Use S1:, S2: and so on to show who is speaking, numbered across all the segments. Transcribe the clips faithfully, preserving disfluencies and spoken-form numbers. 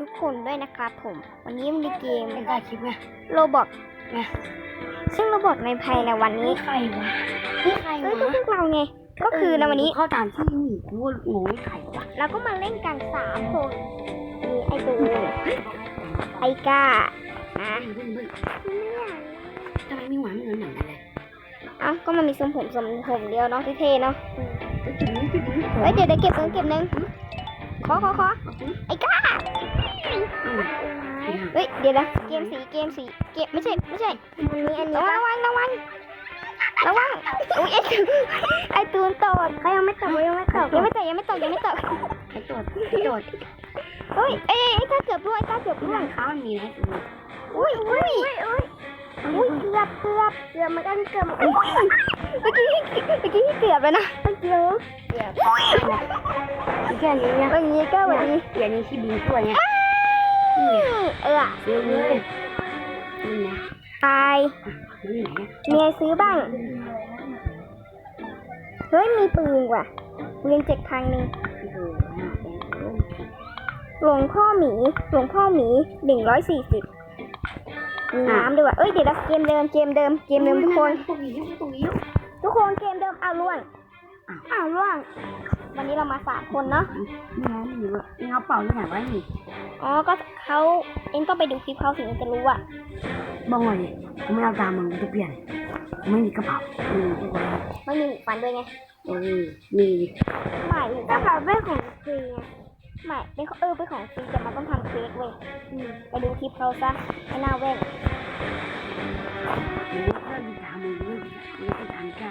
S1: ทุกคนด้วยนะครับผมวันนี้มีเกม
S2: ไม่ได้คลิปไง
S1: โรบอก
S2: ไง
S1: ซึ่งโรบอกในภายในวันนี้
S2: นี่ใครวะนี่ใคร
S1: เอ้
S2: วะ
S1: ยก็พวกเราไงก็คือในวันนี้
S2: เข้าตามที่หนีกูว่าหนูนี่ใครวะ
S1: เราก็มาเล่นกันสามคนมีไอตูไอก้านะ
S2: เฮ้ยเฮ้ยเฮ้ยทำไมมีหวานเหมือนหนังกันเลย
S1: เอ้าก็มันมีทรงผมทรงผมเดียวเนาะที่เท่เนาะ
S2: ไปจุดนี้จุดนี้
S1: เฮ้ยเดี๋ยวเดี๋ยวเก็บเงินเก็บเงินขอขอขอไอก้าเฮ้ยเดี๋ยวนะเกมสีเกมสีเกมไม่ใช่ไม่ใช่อันนี้อันนี้ระวังระวังระวังอุ้ยไอตูไอตูนตดเขายังไม่ตกยังไม่ตกยังไม่ตกยังไม่ตกยังไม่ตก
S2: ไอ้โจดไอ้โจด
S1: เฮ้ยเอ้ยไอ้ก้าเกือบร่วงไอ้ก้าเกือบ
S2: ที่
S1: ร่ว
S2: ร้าง นค้ามันมีอะไรกู
S1: อุ้ยอุ้ยอุ้ยอุ้ยเกือบเกือบเกือบเหมือนกันเกือบอุ้ยเมื่อกี้เมื่อกี้เกือบแล้วนะเมื่อกี้เกือบ
S2: แค่นี้เนี่ย
S1: วันนี้ก็วันนี้
S2: อย่างนี้ที่บินตัวเนี่ย
S1: เออ
S2: เดี๋ยวนี้นี่นะ
S1: ตาย
S2: นี่ไหน
S1: มีอะไรซื้อบ้างเฮ้ยมีปืนว่ะปืนเจ็ดพันหนึ่ง
S2: โอ้โห
S1: หลวงพ่อหมีหลวงพ่อหมีหนึ่งร้อยสี่สิบมีน้ำด้วยว่ะเอ้ยเดี๋ยวนะเกมเดิมเกมเดิมเกมเดิมทุกคน
S2: ตรงนี้ตรงนี้
S1: ทุกคนเกมเดิมอ้าวล่วงอ้าวล่วงวันนี้เรามาสามคนเนาะ
S2: นี่นะนี่วะนี่เขาเป่าที่ไหนวะนี่
S1: อ๋อก็เขาเอ็งต้องไปดูคลิปเขาถึงจะรู้อ่ะ
S2: บ้องเลยกูไม่เอาตามมึงกูจะเปลี่ยนกูไม่มีกระเป๋าอืมทุกคน
S1: ไม่มีหูฟันด้วยไง
S2: เออมี
S1: ไม่กระเป๋าเป็นของฟรีไงไม่เป็นเออเป็นของฟรีแต่มันต้องทำเค้กเว้ยไปดูคลิปเขาซะไม่น่าเว้น
S2: หรือว่าถ้ามีตามมึงไม่ไม่ใช่ทางกล้า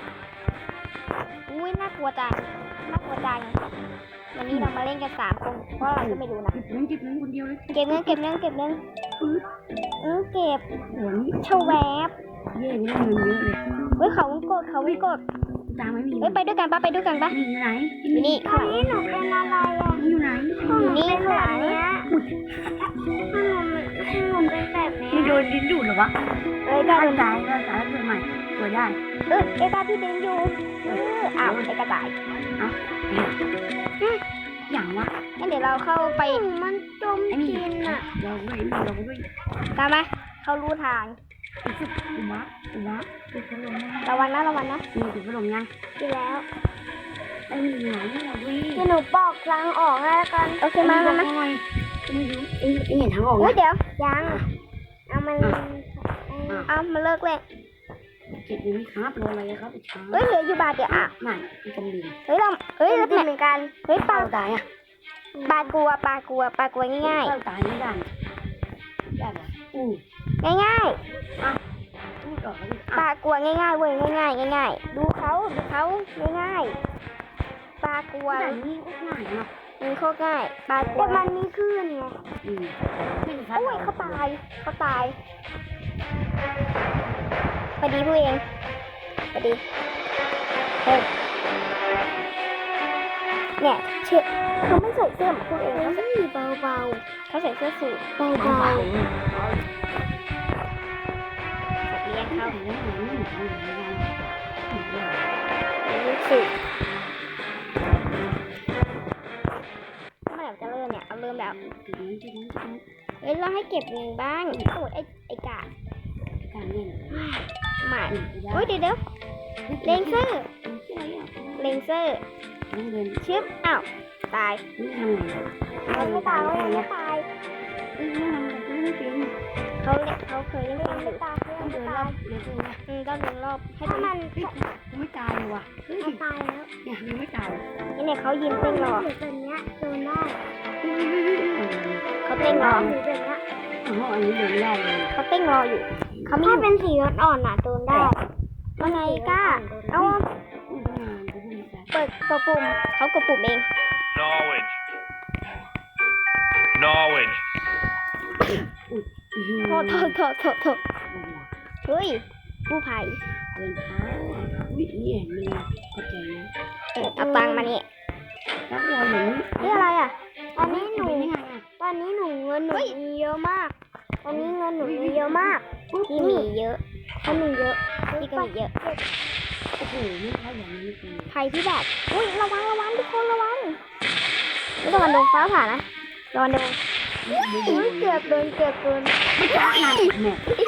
S1: อุ้ยน่ากลัวจังน่ากลัวจังวันนี้เรามาเล่นกันสามคนเพราะเราก็ไม่รู้นะ
S2: จิบนั้นจิบนั้นคนเดียวเลย
S1: เก็บเงินเก็บเงินเก็บเงิน
S2: ปื๊ด
S1: เออเก็บ
S2: หัวนี้
S1: เชาแวบ
S2: เย่นี่เงินเยอะเลย
S1: เฮ้ยเขาวงกดเขาวงกด
S2: ตามไม่มี
S1: เฮ้ยไปด้วยกันปะไปด้วยกันปะ
S2: นี่อยู่ไหน
S1: อยู่นี่ข้างหลังหนูเป็นอะไรอ่ะ
S2: นี่อยู่ไหน
S1: อยู่นี่ข้างหลังเนี้ยหนูเป็นแบบนี้
S2: นี่โดนดิ้นดูดหรอวะ
S1: เอ้ย
S2: ได้
S1: ได้
S2: ตายได้ตายเกิดใหม่เกิดได้
S1: เออเอกาพี่ดึงอยู่เอออ้าวเอกาตาย
S2: อย่างวะ
S1: งั้นเดี๋ยวเราเข้าไปมันจม
S2: ไอ้นี่
S1: กินอ่ะ
S2: เราด้วยเราด้วย
S1: ตามมาเขารู้ทาง
S2: อุบะอุบะอุบะลงนะ
S1: ระวังนะระวังนะ
S2: มีอุบะลงยัง
S1: ดีแล้ว
S2: ไอ้นี่ไหนเราด้วย
S1: เดี๋ยวหนูปอกทางออกให้แล้วกันโอเคมามามา
S2: ไม่รู้เอ็งเอ็งเห็นทางออก
S1: เฮ้ย
S2: นะ
S1: เดี๋ยวยังเอามันเอามาเลิกเลย
S2: เก็บอยู่นี่ครับรออะไรครับช้า
S1: เฮ้ยเหลืออยู่บาทเดียวอ่ะ
S2: ไม่จมดิน
S1: เฮ้ยเราเฮ้ยเราเหมือนกันเฮ้ยปลา
S2: ตายอ่ะ
S1: ปลากลัวปลากลัวปลากลัวง่าย
S2: ตายไม่ได้ได้ปะอือ
S1: ๆง่าย
S2: พูดออกแล้ว
S1: ๆปลากลัวง่ายๆเว้ยง่ายๆง่ายๆดูเขาดูเขาง่ายๆปลากลัว
S2: แต่นี่ก็ง่ายนะ
S1: มันโคตรง่ายปลากลัวแต่มันมีคลื่นไง
S2: อืม
S1: โอ้ยเขาตายเขาตายพอดีผู้เองพอดีเฮ้ยเนี่ยเชื่อเขาไม่ใส่เสื้อเหมือนผู้เองเขาใส่เบาๆเขาใส่เสื้อสูทเบาๆสัตว์เลี้ยงเขารู้สึกเมื่อไหร่จะเริ่มเนี่ยเอาเริ่มแล้วเอ้ยเราให้เก็บเงินบ้างโอ้ยไอ้ไอ้กา
S2: การเล่น
S1: หมาเฮ้ยเดี๋ยวเดี๋ยวเลนเซอร์เลนเซอร์
S2: น้องเดิน
S1: ชึบอ้าวตาย
S2: นี่ทำไง
S1: เขาไม่ตายเขาไม่ตาย
S2: นี่ทำไงไม่เป็น
S1: เขาเล่นเขาเคยเล่นเกมอยู่
S2: ต้องเดินรอบเลยตัว
S1: อืมต้องเดินรอบให้มัน
S2: กูไม่ตายเลยว่ะ
S1: มันตายแล้ว
S2: เนี่ยยังไม่ตาย
S1: นี่เนี่ยเขายืนเต้นรอ
S3: ตัวเนี้ยโดนได้
S1: เขาเต้นรอ
S3: หรือตัวเนี้ย
S2: อ๋ออันนี้เดินได้เลย
S1: เขาเต้นรออยู่เขาไม่
S3: ถ้า
S1: อยู่
S3: เป็นสีอ่อนๆน่ะโดนได้
S1: ว่าไงกล้าเอา
S2: กูทำงานกูพูดไม่ได้
S1: เปิดกดปุ่มเขากดปุ่มเอง
S4: Knowledge. Knowledge.
S1: โทษโทษโทษโทษโทษเฮ้ยกู้ภัย
S2: เดินเท้าวินี่มีเข้าใจนะ
S1: เออเอาตังค์มานี่
S2: แล้วเราเหมือน
S1: นี่อะไรอ่ะ
S3: ตอนนี้หนู
S2: เป็นยังไงอ่ะ
S3: ตอนนี้หนูเงินหนูมีเยอะมาก ตอนนี้เงินหนูมีเยอะมาก
S1: พี่มีเยอะ
S3: เขามีเยอะ
S1: พี่ก็มีเยอะ
S2: โอ้โหไม่ใช่อย่างนี้คือ
S1: ภัยพิบัติอุ้ยระวังระวังทุกคนระวังไม่ระวังโดนฟ้าผ่านะระวังโดนอุ้ยเกือบโดนเกือบโดน
S2: ไม่จ้าหนักแม่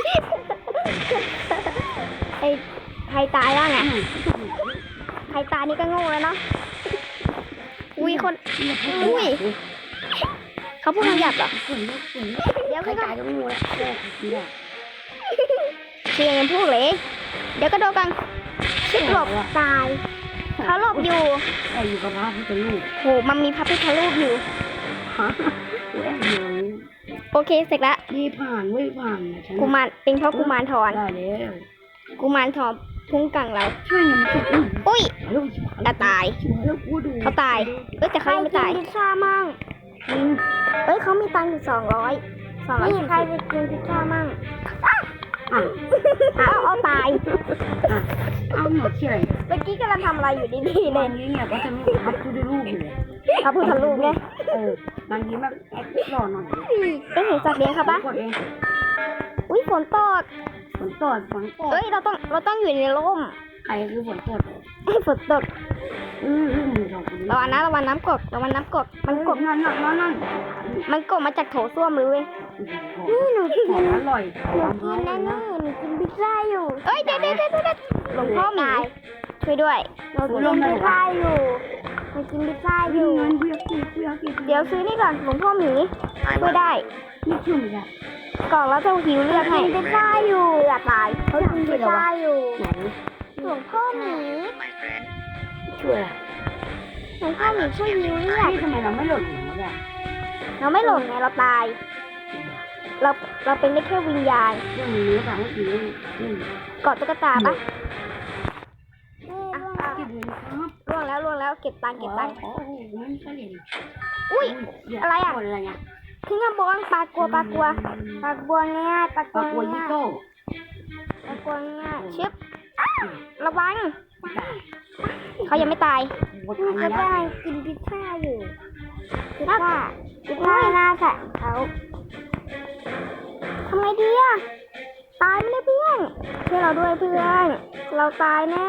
S1: ไอ้ใครตายบ้างอ่ะใครตายนี่ก็โง่แล้วเนาะอุ้ยคนอุ้ยเขาพูดคำหยาบเหรอ
S2: ฝุ่นลูกฝุ่น
S1: เดี๋ยว
S2: ใคร
S1: เขาก็
S2: ตายก็ไม่รู้แล้วแค่ทีแรก
S1: เชียร์ยังพูดเลยเดี๋ยวก็โดนกันชิดหลบตายเขาหลบอยู่
S2: แต่อยู่กับพระพุทธรูป
S1: โหมันมีพระพุทธรูปอยู่
S2: ฮะกูแอบอยู่
S1: โอเคเสร็จละ
S2: นี่ผ่านเว้ยผ่านฉัน
S1: กุมารเป็นเพราะกุมารทอน
S2: ได้แล้ว
S1: กุมารทองพุ่งกังเรา
S2: ช่วยหน่อยมันจะอุ้ย
S1: อุ้ย
S2: ลูก
S1: อ่ะตาย
S2: ช่วยแล้วกูดู
S1: เขาตายเอ้ยแต่เขายังไม่ตาย
S3: พิซซ่ามั่ง
S2: อืม
S1: เอ้ยเขามีตังค์อยู่สองร้อยสองร้อย
S3: นี่ใครจะกินพิซซ่ามั่ง
S2: อ่ะ
S1: เอาเอาตาย
S2: อ่ะเอาหมดเฉย
S1: เมื่อกี้กำลังทำอะไรอยู่ดีๆเล
S2: บาย งทีเนี่ยก็จะมีพระพุทธรูปอยู่เลย
S1: พระพุทธรูปไง
S2: เออบางทีแบบแอคหล่อหน่อย
S1: ได้เห็นสัตว์เลี้ยงเขาปะ
S2: กดเอง
S1: อุ้ยฝนตก
S2: ฝนตกฝนตก
S1: เอ้ยเราต้องเราต้องอยู่ในร่ม
S2: ใครคือฝนตก
S1: เอ้ยฝนตก
S2: อืออือมือสองคน
S1: ระวังนะระวังน้ำกรดระวังน้ำกรดมันก
S2: ก
S1: ร
S2: ด
S1: ด
S2: นั่นนั่นนั่นนั่น
S1: มันกรดมาจากโถส้วมเลยเว้ย
S2: นี่หนูกินอร่อย
S3: หนูกินแน่ๆหนูกินพิซซ่าอยู่
S1: เอ้ยเดี๋ยวเดี๋ยวเดี๋ยวเดี๋ยวหลวงพ่อหมีช่วยด้วย
S3: หนูกินพิซซ่าอยู่หนูกินพิซซ่าอ
S2: กิน
S3: ยู่
S2: เงินเพื่อกินเพื่อกิน
S1: เดี๋ยวซื้อนี่ก่อนหลวงพ่อหมีช่วยได้
S2: นี่ชุ่มจ้ะ
S1: กล่องแล้วจะหิวเลือดให้
S3: กินพิซซ่าอยู่
S1: เลือดตาย
S3: เขากินพิซซ่าอยู่
S2: ไหน
S3: หลวงพ่อหมี
S2: ช่วย
S3: หลวงพ่อหมีช่วยหิวเลือด
S2: นี่ทำไมเราไม่หล่นหัวเนี่ย
S1: เราไม่หล่นไงเราตาย เราเราเป็นได้แค่วิญญาณ
S2: เรื่องนี้ค่ะเมื่อกี้นี่
S1: กอดตุ๊กตาปะ
S3: นี่
S1: อ่ะ
S3: ร่วง
S1: อ่ะ
S2: เก็บเงินครับ
S1: ล่วงแล้วล่วงแล้วเก็บตังค์เก็บตังค์
S2: โอ้โหไม่ใช่เหรียญ
S1: อุ้ย อะไรอะ
S2: อะไรเนี่ย
S1: ขึ้นข้างบนปลากลัวปลากลัว
S3: ปากบัวง่ายปาก
S2: ปลา
S3: บั
S2: กัว
S3: ว
S2: ยี่
S3: ง่าย
S2: โก้
S3: ปากบัวง่าย
S1: ชิบระวังเขายังไม่ตาย
S2: หมด
S3: นี่
S2: อัน
S3: เขา
S2: นี้
S3: ได้กินพิซซ่าอยู่พิซซ่าพิซซ่าหน้าใส่เขา
S1: ทำไงดีอะตายไม่ได้เพื่อนช่วยเราด้วยเพื่อน เราตายแน่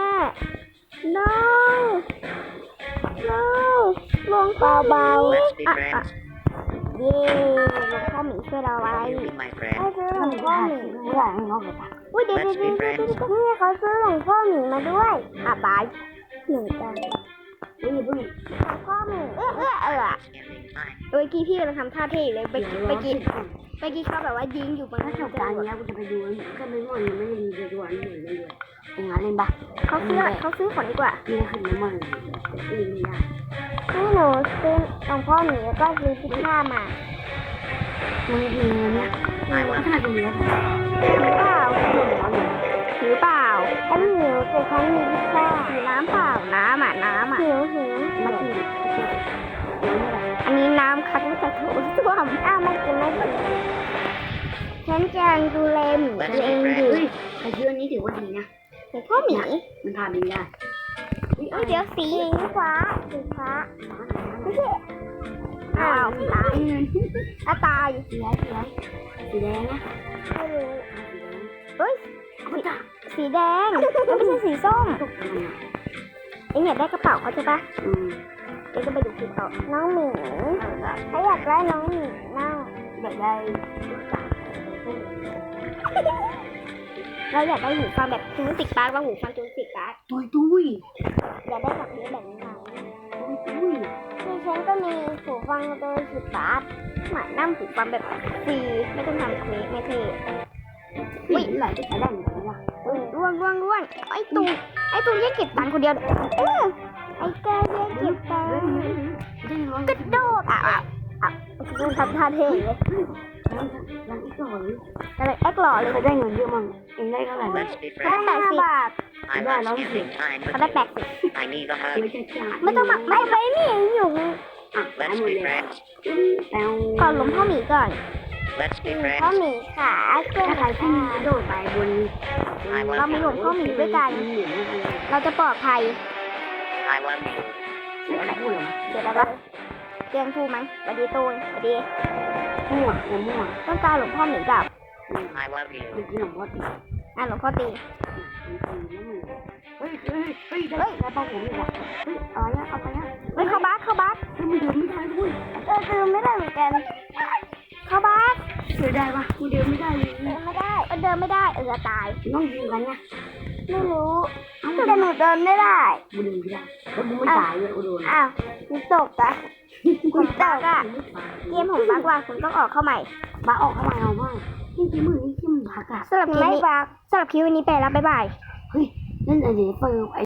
S1: no no หลวงพ่อเบาๆอ่ะอ่ะเย้หลวงพ่อหมีช่วยเราไว้
S3: ให้ซื้อหลวงพ่อหมี
S2: ไม่ได้ให้น้องเลยปะ
S1: อุ้ยเดี๋ยวเดี๋ยวเดี๋ยวเดี๋ยวเดี๋ยว
S3: นี่เขาซื้อหลวงพ่อหมีมาด้วย
S1: อ่ะตาย
S3: หนึ่งจัง
S2: นี่เพิ่ง
S3: หลวงพ่อหมี
S1: เออเออเออเมื่อกี้พี่กำลังทำท่าเท่อยู่เลยเมื่อกี้เมื่อกี้เมื่อกี้เขาแบบว่ายิงอยู่บน
S2: ถ้าจบการนี้กูจะไปดูก็ไม่ง่วงยังไม่ได้ดีจะดูอันนี้เลยเลยเองอ่ะเล่นปะ
S1: เขาซื้อเขาซื้อของดีกว่า
S2: นี่ขึ้นน้ำมันเล่นไม่ได้
S3: ให้หนูซื้อหลวงพ่อหมีแล้วก็ซื้อพิซซ่ามา
S2: มึงมีเงินเนี่ยขนาดนี้แล้ว
S1: ถือเปล่าถือเปล่า
S3: ฉันหิวแต่ฉันมีพิซซ่า
S1: ถือน้ำเปล่าน้ำอ่ะน้ำอ่ะ
S3: หิวหิว
S2: มากิน
S1: อันนี้น้ำคัดมาจากโถส้วม
S3: อ้าวไม่กินไม่กิน
S1: ฉันกำลังดูแลหมีตัวเองอยู่
S2: เฮ้ยไอ้เรื่องนี้ถือว่าดีนะ
S1: หลวงพ่อหมี
S2: มันทานเองได้
S1: อุ้ยเดี๋ยวสี
S3: สีฟ้าสีฟ้า
S1: ไม่ใช่อ้าวตายอ่ะตาย
S2: สีแดงสีแดงสีแดงนะ
S3: ไม่รู้
S1: เฮ้ย
S2: ไม่ได้
S1: สีแดงมันไม่ใช่สีส้ม
S2: ตกมันอ่ะ
S1: เอ็งอยากได้กระเป๋าเขาใช่ปะ
S2: อืม
S1: เอ็งก็ไปดูคลิปเขา
S3: น้องหมีถ้าอยากได้น้องหมีนั่ง
S2: อยากได้ลูกสาว
S1: เราอยากได้หูฟังแบบจูนติกปาร์กว่าหูฟังจูนติกปาร์ก
S2: ตุยตุย
S3: อยากได้แบบนี้แบบนี้มา
S2: ตุยตุย
S3: ที่ฉันก็มีหูฟังโดยสิบบาท
S1: หมายนั่งหูฟังแบบฟรีไม่ต้องทำเควสไม่เท่
S2: อุ้ยไหลจะใช้ได้ไหมล่ะ
S1: อุ้ยร่วงร่วงร่วงไอ้ตูไอ้ตูแยกเก็บตังค์คนเดียวเออ
S3: ไอ้แกแยกเก็บตังค์
S2: ได้ร้อย
S1: กระโดดอ่ะอ่ะอ่ะดูทำท่าเท่เลย
S2: ยังอีกหน่อย
S1: ก็เลยแอคหล่อเลย
S2: เคยได้เงินเยอะมั้งเองได้เท่าไหร่
S4: Let's be
S1: เขาได้
S4: friends.
S1: แปดสิบ
S3: บาท
S4: I
S2: Yeah,
S4: love
S2: long
S4: spending time
S1: เขา
S4: with
S1: ได้
S4: you.
S1: แปดสิบ
S4: I need a
S2: ไม่
S4: hug.
S2: ใช่จ่าย
S1: ไม่ต้องมาไม่
S3: ไปนี่อยู่
S2: อ่ะหาย
S4: Let's
S2: หมด
S4: be
S2: เลย
S4: friends.
S2: แปลว
S1: ก่อนหลวงพ่อหมีก่อน
S4: Let's be
S3: พ่อ
S4: friends.
S3: หมีขาเครื่อง
S2: ถ้าใครที่กระโดดไปบน
S1: เรามีหลวงพ่อหมีด้วยกัน
S2: หมุนอะไร
S1: เราจะปลอดภัย
S4: I love you.
S2: ไม่อะไรพูดหรอ
S1: เดี๋ยวอะไรวะเตียงทูมั้งสวัสดีตูนสวัสดี
S2: มั่วหัวมั่ว
S1: ต้องการหลวงพ่อหมีกับ
S4: I love you.
S2: เมื่อกี้หลวงพ่อตี
S1: อ่ะหลวงพ่อตี
S2: เฮ้ยเฮ้ยเฮ้ยได้ได้เป้าผมอีกว่ะเฮ้ยอะไรอะเอาไปอะ
S1: เฮ้ยเข้าบัสเข้าบัส
S2: เฮ้ยมันเดินไม่ได้ด้วย
S3: เออซื้อไม่ได้เหมือนกัน
S2: ช่วยได้ปะกูเดินไม่ได้เลย
S1: เดินไม่ได้เออเดินไม่ได้เออตาย
S2: ต้องยิงกันไง
S1: ไม่รู้แต่หนูเดินไม่ได้
S2: กูเดินไม่ได้แล้วกูไม่ตายเลยกูโดน
S1: อ้าวคุณตกอะคุณตกอะเกมผมบักว่าคุณต้องออกเข้าใหม่
S2: บ้าออกเข้ามาเอาบ้างนี่กี่มือนี่กี่มือพักอะ
S1: สำหรับคลิปนี้สำหรับคลิปวันนี้ไปแล้วบ๊ายบาย
S2: เฮ้ยนั่นไอ้เดี๋ยวเปิด